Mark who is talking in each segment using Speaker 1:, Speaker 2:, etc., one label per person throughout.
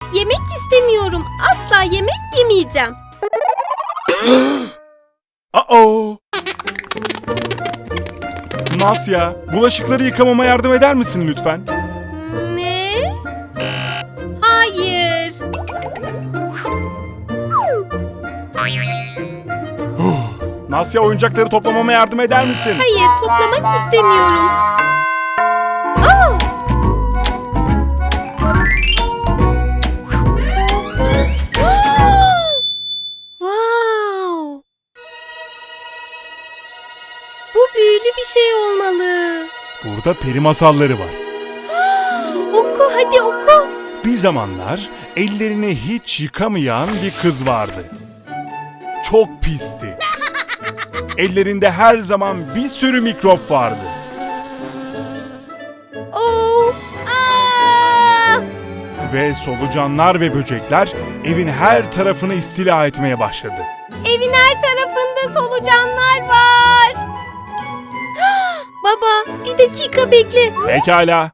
Speaker 1: Yemek istemiyorum. Asla yemek yemeyeceğim.
Speaker 2: Uh-oh. Nasya, bulaşıkları yıkamama yardım eder misin lütfen?
Speaker 1: Ne? Hayır.
Speaker 2: Nasya, oyuncakları toplamama yardım eder misin?
Speaker 1: Hayır, toplamak istemiyorum. Aa! Wow! Bu büyülü bir şey olmalı.
Speaker 2: Burada peri masalları var.
Speaker 1: Oku, hadi oku.
Speaker 2: Bir zamanlar ellerini hiç yıkamayan bir kız vardı. Çok pisti. Ellerinde her zaman bir sürü mikrop vardı.
Speaker 1: Oh! Aa!
Speaker 2: Ve solucanlar ve böcekler evin her tarafını istila etmeye başladı.
Speaker 1: Evin her tarafında solucanlar var. Baba, bir dakika bekle.
Speaker 2: Pekala.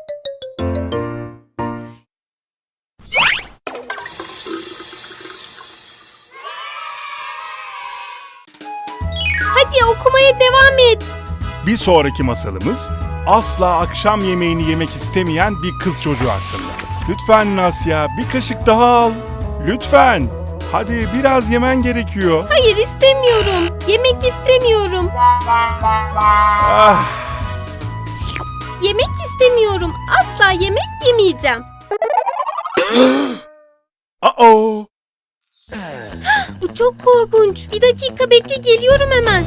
Speaker 1: Hadi okumaya devam et.
Speaker 2: Bir sonraki masalımız asla akşam yemeğini yemek istemeyen bir kız çocuğu hakkında. Lütfen Nasya, bir kaşık daha al. Lütfen. Hadi biraz yemen gerekiyor.
Speaker 1: Hayır, istemiyorum. Yemek istemiyorum.
Speaker 2: Ah,
Speaker 1: Yemek istemiyorum. Asla yemek yemeyeceğim.
Speaker 2: uh-oh.
Speaker 1: Bu çok korkunç. Bir dakika bekle, geliyorum hemen.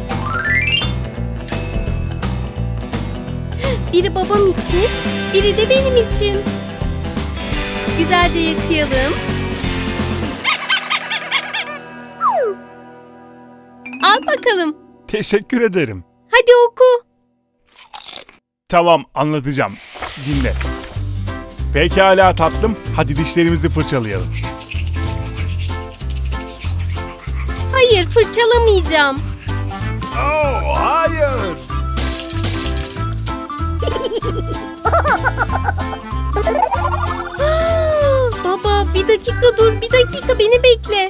Speaker 1: Biri babam için, biri de benim için. Güzelce yıkayalım. Al bakalım.
Speaker 2: Teşekkür ederim.
Speaker 1: Hadi oku.
Speaker 2: Tamam, anlatacağım. Dinle. Pekala tatlım, hadi dişlerimizi fırçalayalım.
Speaker 1: Hayır, fırçalamayacağım.
Speaker 2: Oh, hayır.
Speaker 1: Baba, bir dakika dur, bir dakika beni bekle.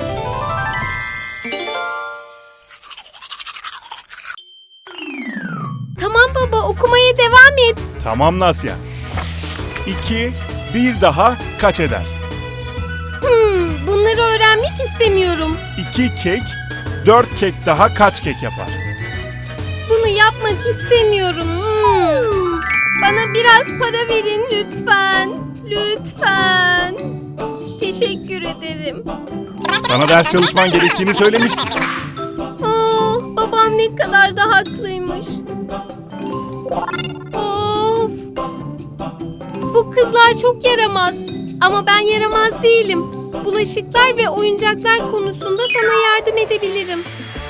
Speaker 1: Tamam baba, okumaya devam et.
Speaker 2: Tamam Nasya. 2, bir daha kaç eder?
Speaker 1: Bunları öğrenmek istemiyorum.
Speaker 2: 2 kek, 4 kek daha kaç kek yapar?
Speaker 1: Bunu yapmak istemiyorum. Bana biraz para verin lütfen. Lütfen. Teşekkür ederim.
Speaker 2: Sana ders çalışman gerektiğini söylemiştim.
Speaker 1: Babam ne kadar da haklıymış. Of. Bu kızlar çok yaramaz. Ama ben yaramaz değilim. Bulaşıklar ve oyuncaklar konusunda sana yardım edebilirim.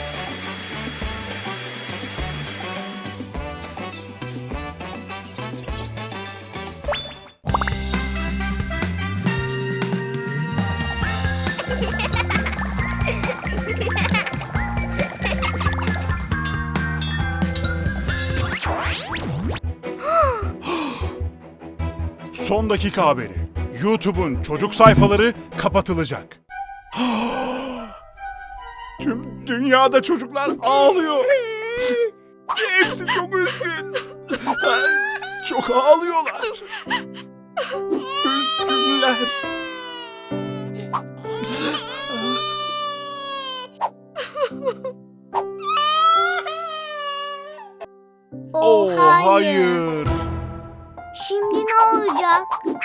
Speaker 2: Son dakika haberi. YouTube'un çocuk sayfaları kapatılacak. Tüm dünyada çocuklar ağlıyor. Hepsi çok üzgün. Çok ağlıyorlar. Üzgünler. Oh, hayır.
Speaker 3: Şimdi ne olacak?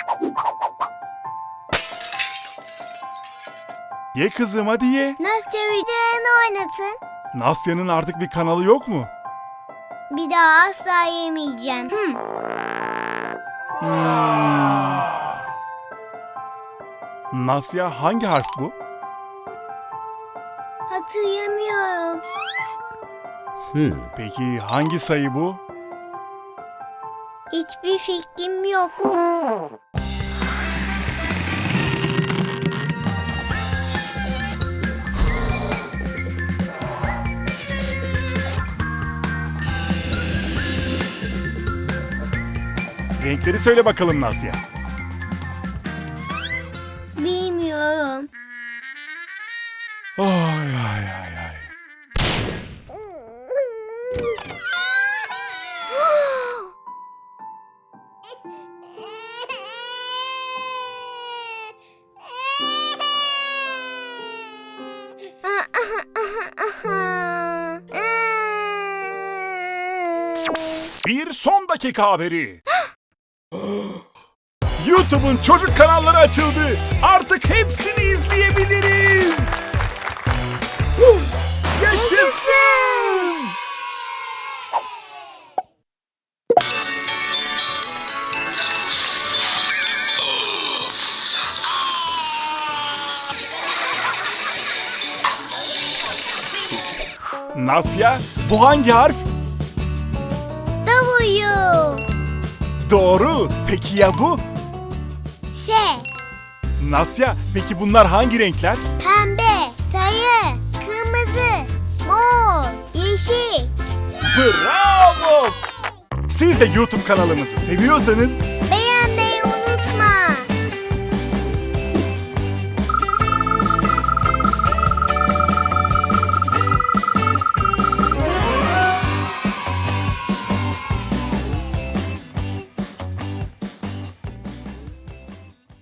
Speaker 2: Ye kızım, hadi ye.
Speaker 3: Nastya videolarını oynatın.
Speaker 2: Nasya'nın artık bir kanalı yok mu?
Speaker 3: Bir daha asla yemeyeceğim.
Speaker 2: Nasya, hangi harf bu?
Speaker 3: Hatırlamıyorum.
Speaker 2: Peki hangi sayı bu?
Speaker 3: Hiçbir fikrim yok.
Speaker 2: Renkleri söyle bakalım Nasya.
Speaker 3: istemiyorum.
Speaker 2: Ay ay ay ay. Bir son dakika haberi. YouTube'un çocuk kanalları açıldı. Artık hepsini izleyebiliriz. Yaşasın! Nasya, bu hangi harf?
Speaker 3: W.
Speaker 2: Doğru. Peki ya bu?
Speaker 3: S.
Speaker 2: Nasya, peki bunlar hangi renkler?
Speaker 3: Pembe, sarı, kırmızı, mor, yeşil.
Speaker 2: Bravo! Siz de YouTube kanalımızı seviyorsanız